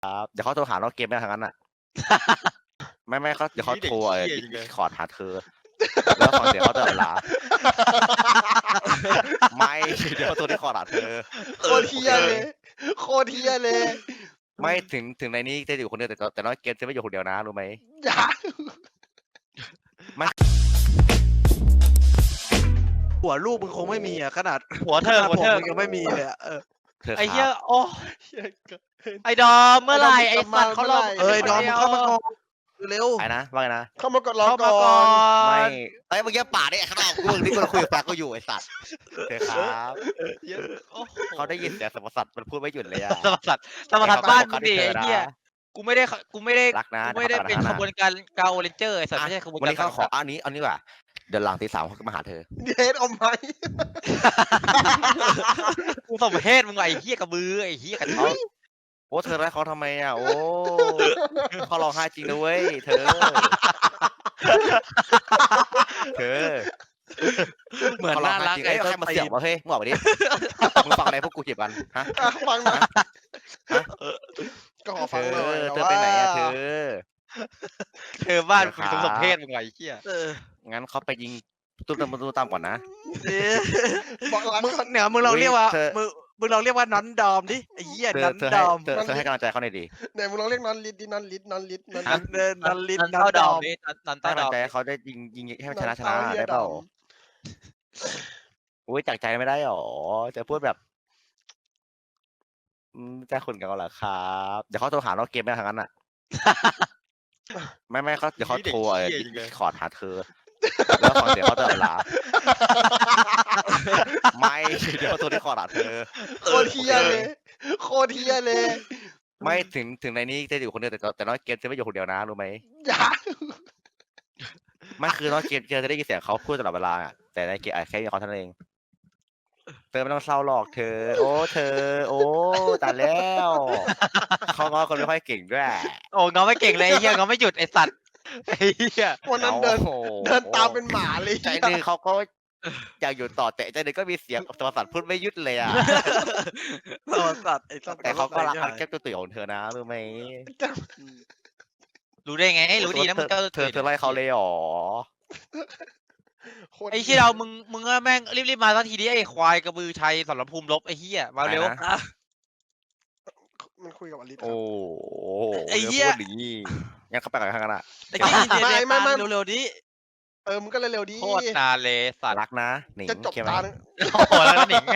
ครับเดี๋ยวเขาโทรหาเราเกมไม่ทางนั้นอ่ะ ไม่เขาเดี๋ยวเขาโทรขอหาเธอ แล้วฟังเสียงเขาตลอดเวลา ไม่เดี๋ยวเขาโทรที่ขอหาเธอโคตรเฮียเลยโคตรเฮียเลยไม่ถึงในนี้จะอยู่คนเดียวแต่น้อยเกมจะไม่อยู่คนเดียวนะรู้ไหมอย่าหัวลูกมึงคงไม่มีอ่ะขนาดหัวเธอผมมึงยังไม่มีเลยอะเธอไอ้คเหี้ยรับโอ้เฮียเกินไอ้ดอมเมื่อไหร่ไอ้สัตว์เขารอเอ้ยดอมมึงเข้ามาก่อนเร็วไอ้นะว่าไงนะเข้ามากดรอเข้าก่มาอก่อน นไม่ไอ้เมื่อกี้ป่าเนี่ยข้างนอกกูนี่กูคุยกับแฟนกูอยู่ไอ้สัตว์เธอครับโอ้โหเขาได้ยินเสียงสมสัตว์มันพูดไม่หยุดเลยอะสมสัตว์สมสัตว์บ้านมึงดิไอ้เหี้ยนะกูไม่ได้รักนะกูไม่ได้เป็นดี๋ยวขเขาบวนการกาโอเรนเจอร์ไอ้สัตว์ไม่ใช่ขบวนวันการนี้เขาขออันนี้ดีกว่าเดี๋ยวหลังตี 3เขาก็มาหาเธอเดทเอาไหมกูสมเพศมึงไอ้เหี้ยกระบือไอ้เหี้ยกระทุ้ยโอ้เธอรักเขาทำไมอ่ะโอ้เขาร้องไห้จริงนะเว้ยเธอ เธอเหมือนเขาร้องน่าไห้รักจริงไอ้ไอ้ต้นใครมาตีเสียบวะเฮ้ยมึงบอกไปดิมึงฟังอะไรพวกกูเจ็บกันฮะฟังหน่อยก็ขอเธฟังอหน่อยเธอไปไหนอ่ะเธอเธอบ้านเดี๋ยวกูครับสมเพศมึงไอ้เหี้ยงั้นเขาไปยิงตุ้มตามก่อนนะบอกรักมึงก่อนเนี่ยมึงลองเรียกว่าเธอมึงลองเรียกว่าน้อนดอมดิไอ้เหี้ยเธน้ออนเธอดให้อมเธอให้กำลังใจเขาหน่อยดิไหนมึงลองเรียกนอนลิดดินอนลิดนอนลิดนอนนัลินดเดินนันลินนันนันเต้าดดออมมดินันให้เต้ากำดลัอง มใจให้เขาได้ยิงให้มันชนะเต้าเหี้ยได้เปล่าดอมอุ้ยจากใจไม่ได้หรอจะพูดแบบจะขุนกันเหรอครับเดี๋ยวเขาโทรหาเราเกมไม่ทางนั้นอ่ะ ไม่เขาเดี๋ยวเขาโทรขอหาเธอ แล้วฟังเสียงเขาตลอดเวลา ไม่เดี๋ยวเขาโทรที่ขอหาเธอโคตรเฮียเลยโคตรเฮียเลยไม่ถึงในนี้จะอยู่คนเดียวแต่น้อยเกมจะไม่อยู่คนเดียวนะรู้ไหมอย่าไม่คือน้อยเกมจะได้ยินเสียงเขาพูดตลอดเวลาอะแต่ในเกมแค่มีเขาเท่านั้นเองเธอไม่ต้องเศร้าหรอกเธอ โอ้เธอ โอ้ตายแล้วเขาง้อคนไม่ค่อยเก่งด้วยโอ้เงาไม่เก่งเลยไอ้เหี้ยเงาไม่หยุดไอ้สัตว์ไอ้เหี้ยวันนั้นเดินโอ้โหเดินตามเป็นหมาเลยใจหนึงเขาก็อยากอยู่ต่อแต่ใจหนึงก็มีเสียงสมสัตว์พูดไม่หยุดเลยอ่ะตัวสัตว์ไอ้สัตว์แต่เขาก็รักอันแก้มตัวตุ๋ยของเธอนะรู้ไหมรู้ได้ไงรู้ดีนะมึงก็เธอไล่เขาเลยเหรอโคตรไอ้เหี้ยเรามึงก็แม่งรีบมาสักทีดิไอ้ควายกระบือชัยสรภูมิลบไอ้เหี้ยมาเร็วไปนะมันคุยกับอลิสโอ้ไอ้เหี้ยพูดอย่างนี้ยังเข้าไปกับข้างกันอ่ะไอ้เหี้ยเดี๋ยวเร็วๆดิมึงก็เร็วๆดิโคตรนานเลยสัตว์รักนะหนิงจะจบเขียนไหมตาหนึ่งโอ้โหแล้วก็หนิง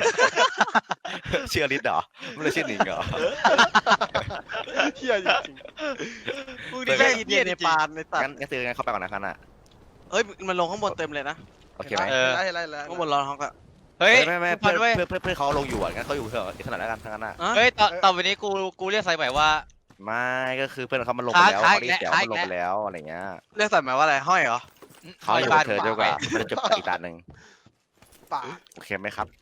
ชื่ออลิสเหรอไม่ได้ชื่อหนิงเหรอเฮียจริงมึงไอ้นี่เหี้ยแม่งเดีเหี้ยยในจริงปานในสัตงั้นว์งั้นซื้องั้นเข้าไปก่อนนะคันอ่ะเฮ้ยมันลงข้างบนเต็มเลยนะโอเคไหมไล่ข้างบนรอห้องอะเฮ้ยไม่พันเว้ยเพื่อนเขาลงอยู่อ่ะงั้นเขาอยู่เถอะขนาดแล้วกันทั้งนั้นอ่ะอะเฮ้ยต่อไปนี้กูเรียกไซใหม่ว่าไม่ก็คือเพื่อนเขามันลงไปแล้วค้างเขาได้เสียค้างมันลงไปแล้วอะไรเงี้ยเรียกใส่หมายว่าอะไรห้อยเหรอเขาอยู่กับเธอเดียวกว่ามันจะจบอีกตาหนึ่งป่าโอเคไหมครับ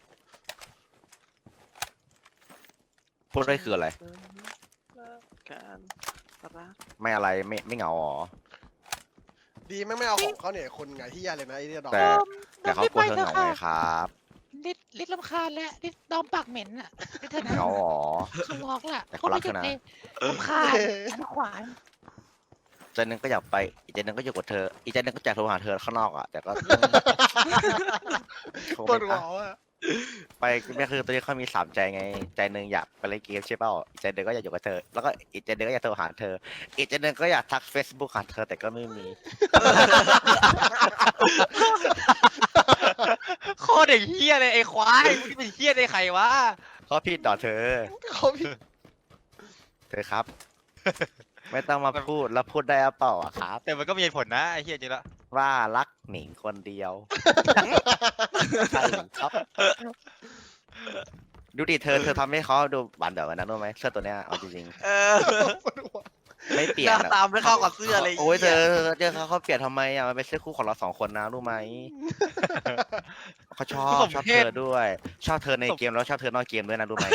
พูดได้คืออะไรการรักไม่อะไรไม่เหงาหรอดีไม่เอาของเขาเนี่ยคนไงที่ยาเลยนะไอ้เนี่ยดอกแต่เขากลัวเธอเหงาไงครับลิดลำคาญแล้วลิดดอมปากเหม็นอ่ะลิดเธอนะเหงาหรอเขาบอกล่ะแต่เขารักเธอนะเลยลำคาญขันขวานใจหนึงก็อยากไป อีกใจหนึงก็อยู่กับเธอ อีกใจหนึงก็อยากโทรหาเธอข้างนอกอ่ะ แต่ก็ คงปวดไม่หัวอ่ะอ่ะไปไม่คือตอนนี้เขามี3ใจไง ใจหนึ่งอยากไปเล่นเกมใช่เปล่าอีกใจหนึ่งก็อยากอยู่กับเธอ แล้วก็อีกใจหนึ่งก็อยากโทรหาเธอ อีกใจหนึ่งก็อยากทัก Facebook หาเธอแต่ก็ไม่มีโคตรเด็กเหี้ยเลยไอ้ควายมึงเป็นเหี้ยได้ใครวะเขาผิดต่อเธอเขาพี่เธอครับ ไม่ต้องมาพูดแล้วพูดได้หรือเปล่าอะครับแต่มันก็มีเหตุผลนะไอ้เหี้ยจริงละว่ารักหนิงคนเดียวใช่ครับ ดูดิเธอทำให้เขาดูหวานแบบนั้นรู้ไหมเสื้อตัวเนี้ยเอาจริงเออปวดหัวๆไม่เปลี่ยหนน้าตามไม่เข้ากับเสื้อเลยโอ้ยเธอเขาเปลี่ยนทำไมอ่ะมันเป็นเสื้อคู่ของเรา2 คนนะรู้ไหมเขาชอบเธอด้วย ชอบเธอในเกมแล้วชอบเธอนอกเกมด้วยนะรู้ไหม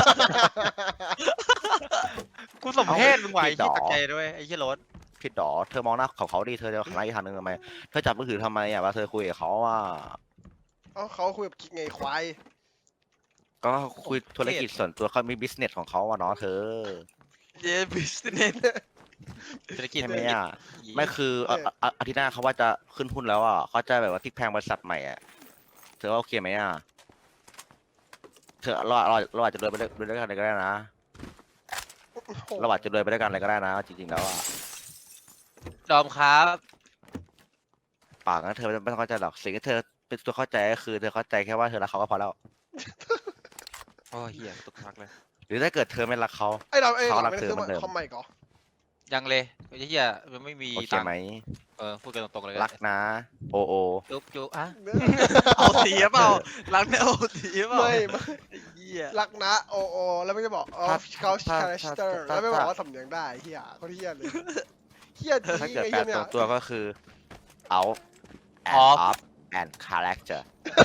กูสมเพศมึงไหวผิไอ้ดเหี้ยเหรอตะใจด้วยไอ้เหี้ยรถผิดดอเธอมองหน้าของเขาดิเธอจะหันหน้าอีกทางนึงทำไมเธอจับมือถือทำไมอ่ะว่าเธอคุยกับเขาอ่ะเขาคุยกับกิ๊กไงควายก็คุยธุรกิจส่วนตัวเขามีบิสเนสของเขาอ่ะเนาะเธอเย้บิสเนสเศรษฐกิจใช่ไหมอ่ะไม่คืออาทิตย์หน้าเขาว่าจะขึ้นหุ้นแล้วอ่ะเขาจะแบบว่าพลิกแพลงบริษัทใหม่อ่ะเธอว่าโอเคไหมอ่ะเธอเราอาจจะรวยไปด้วยกันเลยก็ได้นะเราอาจจะรวยไปด้วยกันเลยก็ได้นะจริงๆแล้วอ่ะดอมครับปากนั้นเธอไม่ต้องเข้าใจหรอกสิ่งที่เธอเป็นตัวเข้าใจก็คือเธอเข้าใจแค่ว่าเธอรักเขาก็พอแล้วโอ้ยเหี้ยตุกทักเลยหรือถ้าเกิดเธอไม่รักเขาไอ้เราไอ้เขาเรารักไม่ได้เธอซื้อเหมือนเดิมคอมใหม่ก่อยังเลยไอ้เหี้ยมันไม่มีโอเคตังค์ไหมพูดกันตรงๆเลยรักนะ โอโอจุ๊บจุ๊บอ่ะเอาสีหรือเปล่ารักเนี่ยเอาสีหรือเปล่าไม่ไอ้เหี้ยรักนะโอโอแล้วไม่จะบอกอ๋อเขาคาแรคเตอร์แล้วไม่บอกว่าสำเนียงได้เฮียเขาเฮียเลยเฮียจริงถ้าเกิดไอ้แปลเฮียเนี่ตรยงตัวก็คือ out and off and character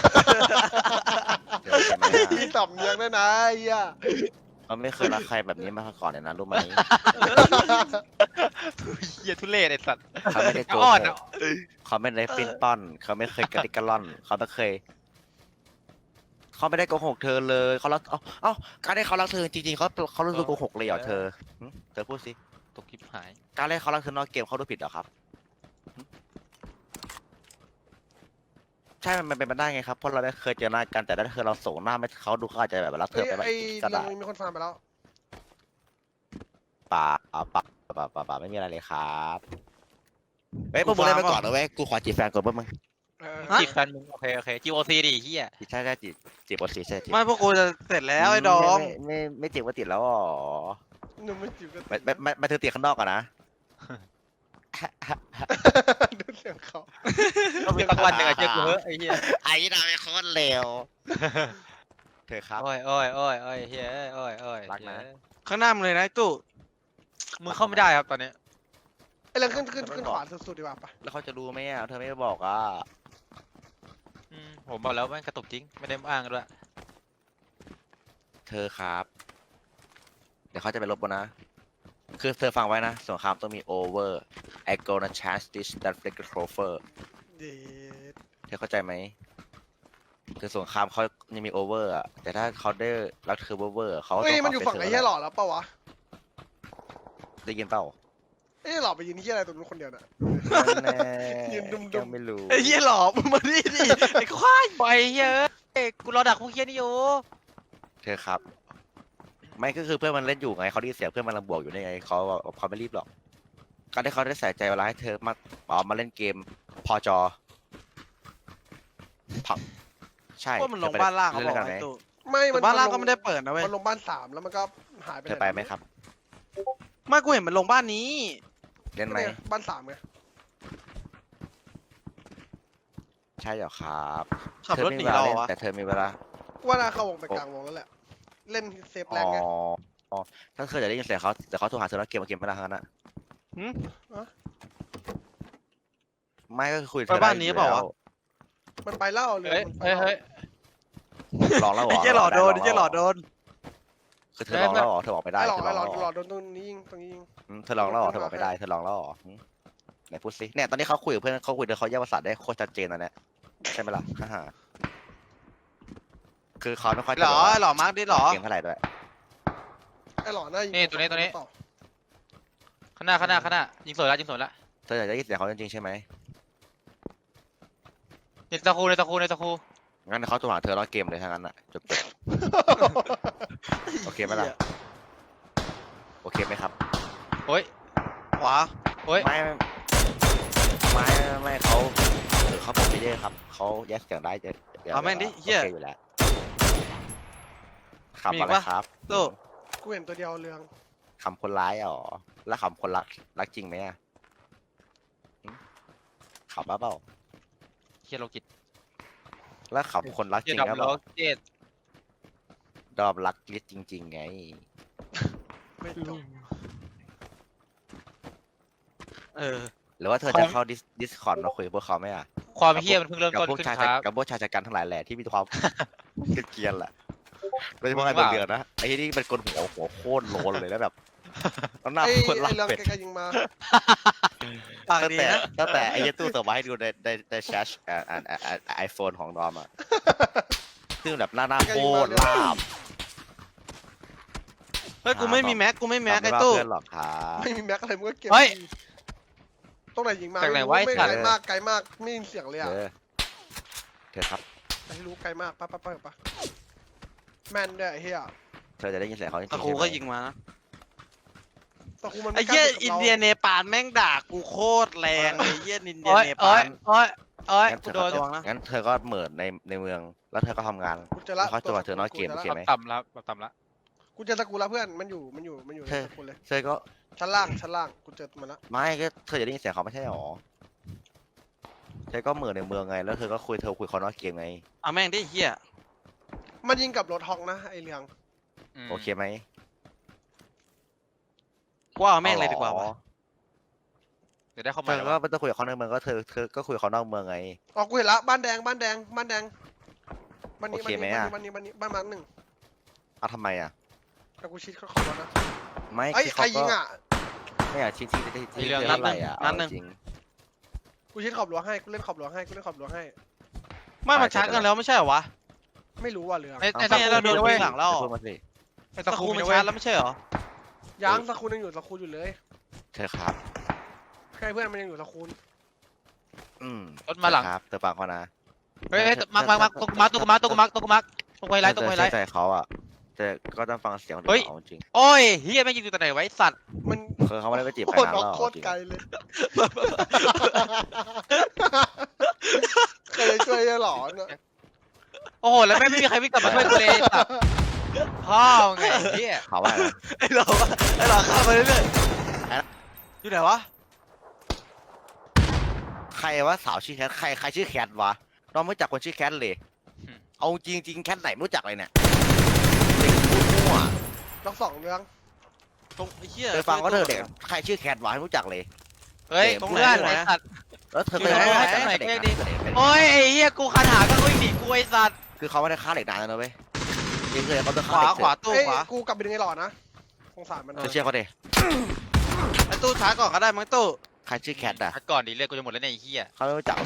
เดี๋ยวใช่ไหมมีสำเนียงด้วยนะเฮียเขาไม่เคยรักใครแบบนี้มาก่อนเลยนะรู้ไหมเหี้ยทุเรศไอ้สัตว์เขาไม่ได้โกอ่อนหอ่ะกเขาไม่ได้ปิ้นป้อนเขาไม่เคยกระดิกกระล่อนเขาไม่เคยเขาไม่ได้โกหกเธอเลยเขารักเอ้าการที่เขารักเธอจริงๆเขารู้สึกโกหกเลยเหรอเธอหึเธอพูดสิตกคลิปหายการเล่นเขารักเธอนอกเกมเขาดูผิดเหรอครับหึใช่ มันเป็นไปได้ไงครับ เพราะเราได้เคยเจอหน้ากัน แต่ถ้าเธอเราส่งหน้าไม่เขาดูเขาอาจจะแบบรักเธเฮ้อย ไปแบบไอ้ก็เรื่อได้งมีคนฟังไปแล้วป่าป่าไม่มีอะไรเลยครับเฮ้ยพวกมึงเล่นไปก่อนนะเว้ย กูขอจีบแฟนก่อนพวกมึงจีบแฟนมึงโอเคGOC ดิเหี้ยใช่จีบโอซีใช่จีบไม่พวกกูจะเสร็จแล้วไอ้ดอมไม่จีบว่าติดแล้วอ๋อหนุ่มไม่จีบกันไม่เธอติดข้างนอกก่อนนะดูเสียงเขาก็มีสักวันหนึ่งอะเจอกูเฮ้ยไอ้เหี้ยไอ้ดาวเป็นคนเลวเธอครับโอ้ยเหี้ยโอ้ยรักนะข้างหน้ามึงเลยนะไอ้ตู้มึงเข้าไม่ได้ครับตอนนี้ไอ้เรื่องขึ้นขวาสุดๆดีกว่าปะแล้วเขาจะรู้ไหมอ่ะเธอไม่บอกอ่ะผมบอกแล้วแม่งกระตุกจริงไม่ได้อ้างด้วยเธอครับ เดี๋ยวเขาจะไปลบบนนะ คือเธอฟังไว้นะสงครามต้องมี over I gonna chance this that flick the trover เด็ดเธอเข้าใจไหมคือสงครามเขายังมี over อ่ะ แต่ถ้าเขาได้รักเธอ over เขาก็เฮ้ยต้องมันอยู่ฝั่งไอ้เฮียหล่อแล้วปะวะได้ยินเปล่าเอ้ยหล่อไปยืนเฮียอะไรตรงนู้นคนเดียวน่ะแน่ยืนดุมๆยังไม่รู้ไอ้เหี้ยหลอกมึงมาดิดิไอ้ควายไปเหี้ยกูรอดักพวกเหี้ยนี่อยู่เธอครับ ไม่ก็คือเพื่อนมันเล่นอยู่ไงเขาได้ยินเสียงเพื่อนมันระบวกอยู่นี่ไงเขาไม่รีบหรอก การที่เขาได้ใส่ใจเวลาให้เธอมาเล่นเกมพอจอผักใช่ว่ามันลงบ้านล่างเขาบอกเล่นกันไหมไอ้ตู้ไม่แต่บ้านล่างก็ไม่ได้เปิดนะเว้ยมันลงบ้าน3แล้วมันก็หายไปเธอไปไหมครับไม่กูเห็นมันลงบ้านนี้เล่นไหมเนี่ยบ้าน3ไงใช่เหรอครับขับรถหนีเธอเราไม่มีเหรเวลาอวะแต่เธอมีเวลาว่าน่าเข้าวงไปกลางวงแล้วแหละ เล่นเซฟแรงไงอ๋อถ้าเธอจะได้ยินเสียงเขาแต่เขาโทรหาเธอแล้วเกมไม่ได้ทั้งนั้นอะหืมไม่ก็คือคุยกับไปเธอบ้านนี้เปล่าวะมันไปเล่าเลยเฮ้ยลองแล้วเหรไอ้อเหี้ยหลอดโดนไอ้เหี้ยหลอดโดนคือเธอลองแล้วเหรอเธอบอกไม่ได้ไอ้หล่อเธอลไอ้องหล่อแล้วเหหรล่ออโดนตรงนี้ยิงตรงนี้ยิงเธอลองแล้วเหรอเธอบอกไม่ได้เธอลองแล้วเหรอไหนพูดสิเนี่ยตอนนี้เขาคุยกับเพื่อนเขาคุยเดี๋ยวเขาแยกภาษาได้โคตรชัดเจนนะเนี่ยใช่ไหมล่ะฮ่าคือเขาไม่ค่อยหรอไอ้หล่อมาร์กดิหรอเกมเท่าไหร่ด้วยไอ้หล่อน่ายิงนี่ตัวนี้ข้างหน้ายิงสวยแล้วเธออยากได้ยินเสียงเขาจริงๆใช่ไหมในตะคูงั้นเขาโทรหาเธอแล้วเกมเลยทั้งนั้นอ่ะจบโอเคไหมล่ะโอเคไหมครับโอ้ยขวาไม่เขาเขาบอกไม่ได้ครับเขาแยกเสียงได้จะเอาแม่งดิเหี้ยโอเคอยู่แล้วคำมีอะไรปะครับตู้กูเห็นตัวเดียวเรืองคำคนร้ายอ๋อแล้วคำคนรักจริงไหมอ่ะหึขำบ้าเปล่าเหี้ยโลกิตแล้วขำคนรักจเหี้ยริงดอแล้วมเปโลล่ากิตดอมรักลิสจริง ๆ ไงไม่จบหรือว่าเธอจะเข้าดิสคอร์ดมาคุยกับพวกเขาไหมอ่ะความเหี้ยมันเพิ่งเริ่มกับต้นพวกขึ้นชายครับกับพวกชายชะกันทั้งหลายแหละที่มีความ เกรียนๆแหละโดยเฉพาะไอ้มึงว่าเดือดนะไอ้ที่นี่เป็นคนหัวโคตรโลนเลยแล้วแบบแล้วหน้าไอ้โคตรรักเรืองเป็ดไกลๆยิงมาปากตั้งดีแต่นะตั้งแต่ไอ้เหี้ยตู้ส่งมาให้ดูในแชทไอโฟนของดอมอ่ะซึ่งแบบหน้าโคตรลาบเฮ้ยกูไม่มีแม็กกูไม่แม็กไอ้ตู้เพื่อนหรอกครับไม่มีแม็กอะไรมึงก็เก็บเฮ้ยตรงไหนยิงมาจากไหนไม่รู้วะไอ้ไม่สัตว์ไกลมากไกลมากไม่ยินเสียงเลยอ่ะเธอครับไม่รู้ไกลมากปะแม่นด้วยไอ้เหี้ยเธอจะได้ยินเสียงเขาจริงๆตะครูก็ยิงมานะแต่กูมันไอ้ไม่กเหี้ยล้าอินกับราเดียเนปาลแม่งด่ากูโคตรแรงไอ้เหี้ยอินเดียโอ้ยเนโอ้ปาย ลโอ้ยโอ้ยงั้นกูเธอโดนระวังนะงั้นเธอก็เหมิดในเมือง แล้วเธอก็ทำงานกูเจะละเขาจะมาเธอนอกเกมกูโอเคจะไหมละต่ำแล้วต่ำแล้วกูเจอสกูละเพื่อนมันอยู่ในเธอสกูเลยเธอก็ชั้นล่างกูเจอมันละไม่ก็เธอจะได้ยินเสียงเขาไม่ใช่หรอเธอก็เหมิดในเมืองไง แล้วเธอก็คุยเขานอกเกมไงเอาแม่งดิเหี้ยมันยิงกับรถฮอกนะไอ้เรืองโอเคไหมกูเอาแม่งเลยดีกว่าวะเดี๋ยวได้เข้าเธมาอแล้วก็วะไม่ต้องคุยกับเขาในเมืองก็เธอก็คุยกับเขานอกเมืองไงอ๋อกูเห็นละบ้านแดงบ้านนี้บ้านนี้โอเคไหมอะบ้านนี้บ้านมาร์คหนึ่งเอาทำไมอ่ะแต่กูชิดเขาขอบแล้วนะไม่เอ้ยคือใครเขายิงก็อ่ะไม่อยากชี้ที่เธอเท่าไหร่อ่ะเอาจริงกูชิดขอบหลวงให้กูเล่นขอบหลวงให้ไม่มันชักกันแล้วไม่ใช่เหรอวะไม่รู้ว่าเรืองในไม่งั้นเราโดนเว้ยหลังแล้วพูดมาสิไอ้ตะตะคคูรูมัมัน นเว้ชัยกแล้วไม่ใช่เหรอยังสกูลยังอยู่สกูลอยู่เลยเธอครับใช่เพื่อนมันยังอยู่สกูลรถมาหลังครับเธอฟังเขานะเฮ้ยมาตัวกูมาตรงไฮไลท์ตรงไฮไลท์ใจเขาอ่ะแต่ก็ต้องฟังเสียงเฮ้ยเขาจริงโอ้ยเฮียแม่งยิงอยู่ตรงไหนไว้สัตว์มันคือเขาไม่ได้ไปจีบโคใครตรนะออกเราโคตรจริงไกลเลยเคยช่วยหลอนอะโอ้โหแล้วแม่งไม่มีใครวิ่งกลับมาช่วยกูเลยสัตว์พ่อไงเฮียเขาว่าอะไรไอ้หลอกเข้ามาเรื่อยๆอยู่ไหนวะใครว่าสาวชื่อแคทใครชื่อแคทวะเราไม่รู้จักคนชื่อแคทเลย เอาจริงแคทไหนไม่รู้จักเลยเนี่ยเด็กพูดมั่วล็อกสองเรืองตรงไอ้เหี้ยเธอฟังก็เธอเด็กใครชื่อแคทวะไม่รู้จักเลยเฮ้ยตรงเพื่อนไหนไอ้สัตว์แล้วเธออยู่ไหนเคยตรงไหนเด็กเด็นะกดิเด็กโอ้ยไอ้เฮียกูคันหาก็วิ่งหนีกูไอ้สัตว์คือเขาไม่ได้ฆ่าเด็กนานแล้วนะเว้ยจริงเลยเขาจะขฆ่าเด็กวาตู้เอ้ยขวากูกลับไปดึงไอ้หลอดนะสงสารมันเธอเชื่อเขาดิไอ้ตู้ช้าก่อนก็ได้มั้งตู้ใครชื่อแคทอ่ะพักก่อนดิเลือดกูจะหมดแล้วเนี่ยไอ้เฮียเขาไม่รู้จักเลย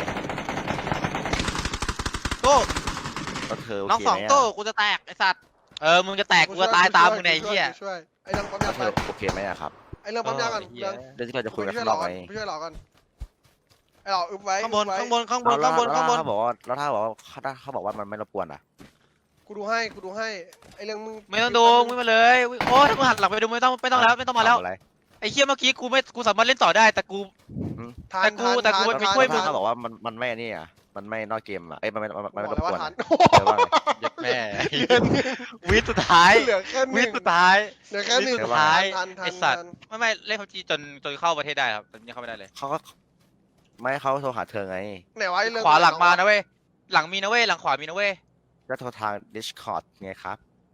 ตู้แล้วเธอโอน้องเคสองไหมตู้อะกูจะแตกไอ้สัตว์มึงจะแตกกูก็ตายตามมึงในไอ้เฮียช่วยไอ้เรื่องปั๊มแล้ยาวเธไปอโอเคไหมอะครับไอ้เรื่องปั๊มยาก่อนเฮีเรื่ยองเรื่องที่เราจะคุยไปกันช่วยข้างหนลออกไงไปช่วยหลอก่อนไอ้หลออึบไว้ข้างบนอึ๊ไว้ข้างบนข้างบนแล้วข้างบนแล้วถ้าบอกว่าเขาบอกว่ามันไม่รบกวนอ่ะกูดูให้ไอ้เรื่องมึงไม่ต้องดูมึงมาเลยโอ้ยถ้ามึงหันหลังไปดูไม่ต้องแล้วไม่ต้องมาแล้วทำอะไรไอ้เฮียเมื่อกี้กูสามารถเล่นต่อได้แต่กูทันแต่กูไปช่วยมึงเขาบอกว่ามันไม่นี่อ่ะมันไม่นอกเกมอ่ะมันไม่รบกวนทันเธอว่าไงยัดแม่ วิสุดท้ายเหลือแค่หวินึ่งสุดท้ายเหลือแค่หนึ่งสุดท้ายทันไอ้สัตว์ ไม่เล่นพับจีจนเข้าประเทศได้ครับตอนนี้เข้าไม่ได้เลยเขาก็ไม่เขาโทรหาเธอไงไหนวะไอ้เรื่องขวาหลังมานะเว้ยหลังมีนะเว้ยหลังขวามีนะเว้ยก็โทรทาง Discord ไงครับ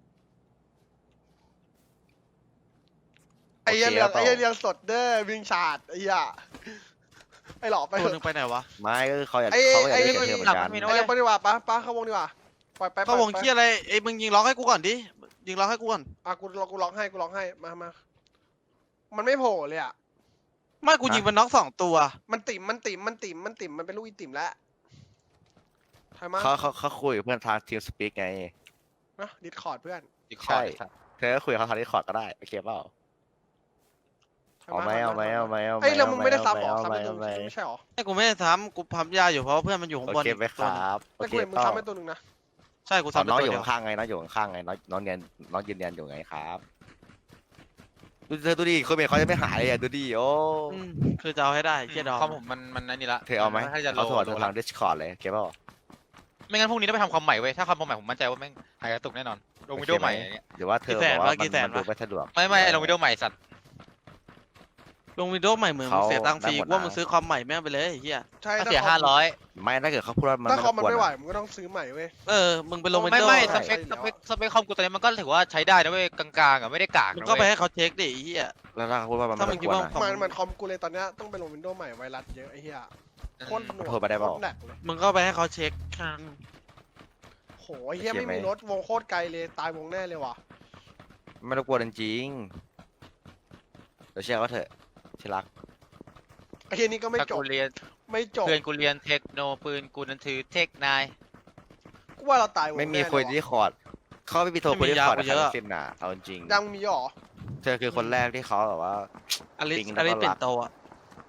ไอ้เรื่องโอเคไอ้เปล่าเรื่องสดเด้อวิ่งชาดไอ้เหี้ยไอ้หลอไปตัวเถนึอะงไปไหนวะไม่ก็เขาอยากไอ้เขาอยากไอ้ได้เธอเหมือนกันมีไอ้เรื่องไปดีกว่าป้าเข้าวงดีกว่าปล่อยไปเข้าวงปล่อยเคียอะไรไอ้มึงยิงล็อกให้กูก่อนดิยิงล็อกให้กูก่อนอ่ะกูร้องให้มามันไม่โผล่เลยอ่ะไม่กูยิงมันน็อกสองตัวมันติ่มมันเป็นลูกอีติ่มแล้วใช่ไหมเขาคุยกับเพื่อนทาง Team Speak ไงนะดิสคอร์ดเพื่อนอีกใช่ข้อไอ้สัตว์เธอก็คุยกับเขาทาง Discord ก็ได้โอเคเปล่าใช่เอาไหมเอาไหมเอาไหมเอาไหมไอ้ยแล้วมึงไม่ได้ซับหรอเอาซับไหมไปตัวเอาไหมนึงไม่ใช่หรอไอ้กูไม่ได้ทำกูพับยาอยู่เพราะว่าเพื่อนมันอยู่ข้างโอบนเคไหมครับโอแต่เคกูเห็นมึงเปล่าซับไปตัวนึงนะใช่กูอ๋อทำน้องไปอตัวยู่เดียวข้างไงน้องอยู่ข้างไงน้องยืนยันอยู่ไงครับดูเธอดูดิคนเมย์เขาจะไม่หายเลยอ่ะดูดิโอ้คือจะเอาให้ได้เคียดอคอมผมมันนั่นนี่ละเธอเอาไหมถ้าจะโหลเขาถอดดทาง Discord เลยโอเคเปล่าไม่งั้นพรุ่งนี้ต้องไปทำคอมใหม่เว้ยถ้าคอมใหม่ผมมั่นใจว่าแม่งหายกระตุกแน่นอนลงวิดีโอใหม่อย่างเงี้ยหรือว่าเธอบอกว่ามันดูไม่สะดวกไม่ลงวิดีโอใหม่สัตว์ลงวิดีโอใหม่เหมือนมึงเขาเสียตังค์ฟรีได้หมดว่านะมึงซื้อคอมใหม่แม่งไปเลยไอ้เฮียใช่ถ้าเสีย500 ไม่ถ้าเกิดเขาพูดว่ามันถ้าคอมมันรบกวไม่ไหวอะมึงก็ต้องซื้อใหม่เว้ยมึงไปลงวิไม่ดีโอไม่ใช่สเปคคอมกูตอนนี้มันก็ถือว่าใช้ได้นะเว้ยกลางๆอ่ะไม่ได้กากมึงนะก็ไปเว้ยให้เขาเช็คดิไอ้เฮียแล้วถ้าเขาพูดว่ามันถ้ามึไม่งรบคิกดวนว่าอะของมันคอมกูเลยตอนเนี้ยต้องไปลงวินโดว์ใหม่ไวรัสเยอะไอ้เหี้ยโคตรหน่วงโทรไปได้เปล่าโคตรหนักเลยมึงก็ไปให้เขาเช็คครั้งโหไอ้เหี้ยไม่มีรถวงโคตรไกลเลยตายวงแน่เลยว่ะไม่รบกวนจริงๆเดี๋ยวเชื่อเขาเถอะที่รักไอ้เหี้ยนี่ก็ไม่ถ้าจบกูเรียนไม่จบเพื่อนกูเรียนเทคโนปืนกูนันถือเทคนายกูว่าเราตายวงไม่มีแน่คุยเลยที่ว่ะคอร์ดเขาไม่มีโทรคุยที่คอร์ดนะครับสิ้นน่ะเอาจริงยังมีหรอเธอคือคนแรกที่เขาแบบว่าอลิสปิ๊งอแล้วลิสก็เป็รันกโตอ่ะ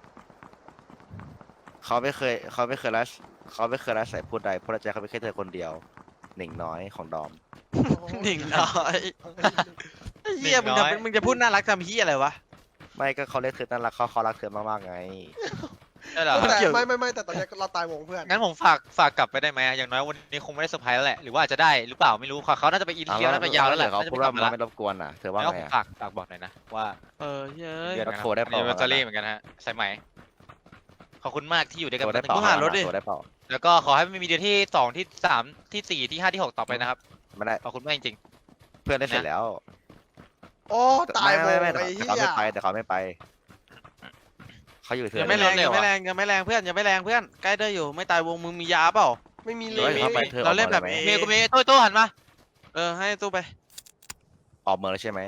เขาไม่เคยรักใส่พูดใดเพราะใจเขาไม่แค่เธอคนเดียวหนิงน้อยของดอมหนิงน้อยไอ้เหี้ยมึงจะพูดน่ารักทำเหี้ยอะไรวะไม่ก็เขาเรียกเธอน่ารักเขารักเธอมากๆไงใช่เหรอแต่เกี่ยวไม่แต่ตอนเนี้ยเราตายวงเพื่อนงั้นผมฝากกลับไปได้ไหมอย่างน้อยวันนี้คงไม่ได้เซอร์ไพรส์แล้วแหละหรือว่าอาจจะได้หรือเปล่าไม่รู้เขาน่าจะไปอินเดียน่าจะไปยาวแล้วแหละเขาน่าจะพูไปดกลัว่าบมามันแล้วไม่รบกวนอ่ะเธอว่าแล้วไงผมอะฝากบอกหน่อยนะว่าเออเย้ยเดี๋ยว โทรได้เปล่าอันนี้เซอรี่เหมือนกันฮะสายไหมขอบคุณมากที่อยู่ด้วยกันตัวมาได้ถึงเปล่ามึงหารถดิตัวได้เปล่าแล้วก็ขอให้มันมีเดือนที่2ที่3ที่4ที่5ที่6ต่อไปนะครับไม่ได้ขอบคุณมากจริงเพื่อนได้เสร็จแล้วโอ้ตายวงไม่ไอ้แต่เหี้เขายไม่ไปแต่เขาไม่ไปเขาอยู่เธยัองไม่แรงยังไม่แรงยังไม่แรงเพื่อนยังไม่แรงเพื่อนใกล้ได้อยู่ไม่ตายวงมึงมียาเปล่าไม่มีเลเฮ้ยยเขาไปเธอเราเล่นแบบออกเอมาๆเมย์กูเมย์โต้หันมาเออให้ตู้ไปออกเมืองแล้วใช่ไหม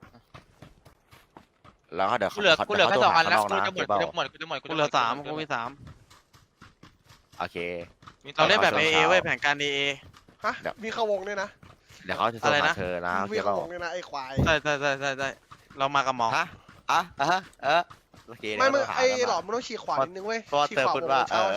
แล้วก็เดี๋ยวกูเหลือแค่2 อันแล้วกูนะจะหมดเปล่ากูจะหมดกูเหลือ3กูมี3 โอเคเราเล่นแบบเอาเอเอาเว้ยแผนการเอฮะมีเข้าวงด้วยนะเดี๋ยวเขาจะโทรอะไรหานะเธอนะโอเคมีเปเข้าล่าวงด้วยนะไอ้ควายได้เรามากับหมอฮะโอเคไม่เดี๋ยวไอ้เขาโทรหาหลอมมันต้องฉีกขวานิดนึงเว้ยเพราะว่าฉีกเธอขวาพูดวงว่าเช้า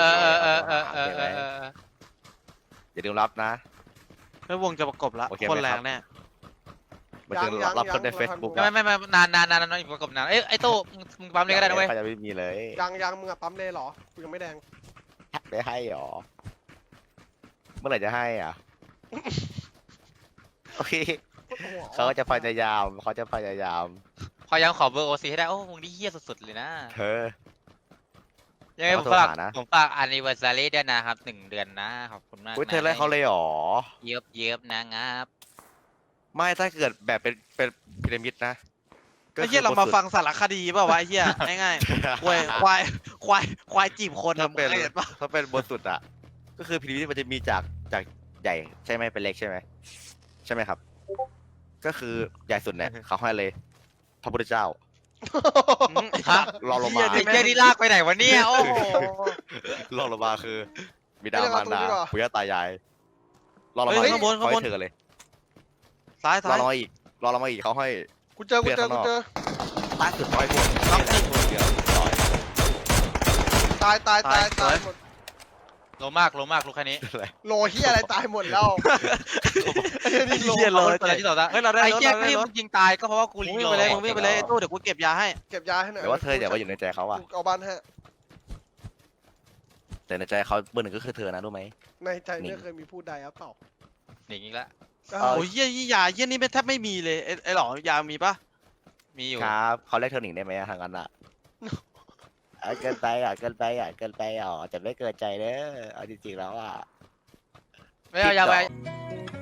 อย่าลืมรับนะเฮ้ยวงจะประกบละโอเคคนไหมแรคงรับแน่มาถึงรับคนในเฟซบุ๊กไม่นานอยู่ประกบนานไอ้โต้มึงปั๊มเลยก็ได้นะเว้ยเขาจะไม่มีเลยยังมึงอะปั๊มเลยเหรอกูยังไม่แดงได้ให้หรอเมื่อไหร่จะให้อ่ะโอเคเขาจะพยายามพอยังขอเบอร์โอซีให้ได้โอ้มึงนี่เฮี้ยสุดๆเลยนะเธอยังไงเขาผมโทรฝากหานะ anniversary ด้วยนะครับ1 เดือนนะขอบคุณมากอุ้ยเธอไล่เขาเลยหรอเยิบนะครับไม่ถ้าเกิดแบบเป็นพีระมิดนะไอ้เหี้ยเรามาฟังสารคดีเปล่าวะไอ้เหี้ยง่ายๆควายจีบคนถ้าอะเป็นมึงเคยเห็นปะถ้าเป็นบนสุดอ่ะ ก็คือพีระมิดมันจะมีจากใหญ่ใช่ไหมเป็นเล็กใช่ไหมใช่ไหมครับ ก็คือใหญ่สุดเนี่ยเขาให้เลยพระพุทธเจ้าฮะรองลงเหี้มายไอ้เหี้ยนี่ลากไปไหนวะเนี่ยโอ้โหรองลงมาคือ บิดามารดาปู่ย่าตายายรองลงมาเฮ้ยข้างบนเขาให้เธอเลยซ้ายรอลงมาอีกเขาให้กูเจอล่าสุดร้อยพวงน็อกเดียวร้อยตายหมดโลมากลูกแค่นี้อะไรโลเฮียอะไรตายหมดแล้วไอ้เหี้ยเลยตัวที่ต่อตาเฮ้ยเราได้ไอ้รถเหี้ยเราได้ที่รมึถงยิงตายก็เพราะว่ากูมึงรีวิ่งโหลไปเลยดมึงวิ่งไปเลยไอ้ตู้เดี๋ยวกูเก็บยาให้เก็บยาให้หน่อยแต่ว่าเธออย่าว่าอยู่ในใจเขาอะเอาบ้านให้แต่ในใจเขาเบอร์หนึ่งก็คือเธอนะรู้ไหมในใจไม่เคยมีผู้ใดครับเปล่าหนีอีกแล้วโอ้ยเหี้ยยาเหี้ยนี่แทบไม่มีเลยไอ้หลอยามีปะมีอยู่ครับเขาเรียกเธอหนิงได้ไหมทางนั้นอะเกินไปจะไม่เกินใจเด้อเอาจริงๆแล้วอะไม่เอายาไปจ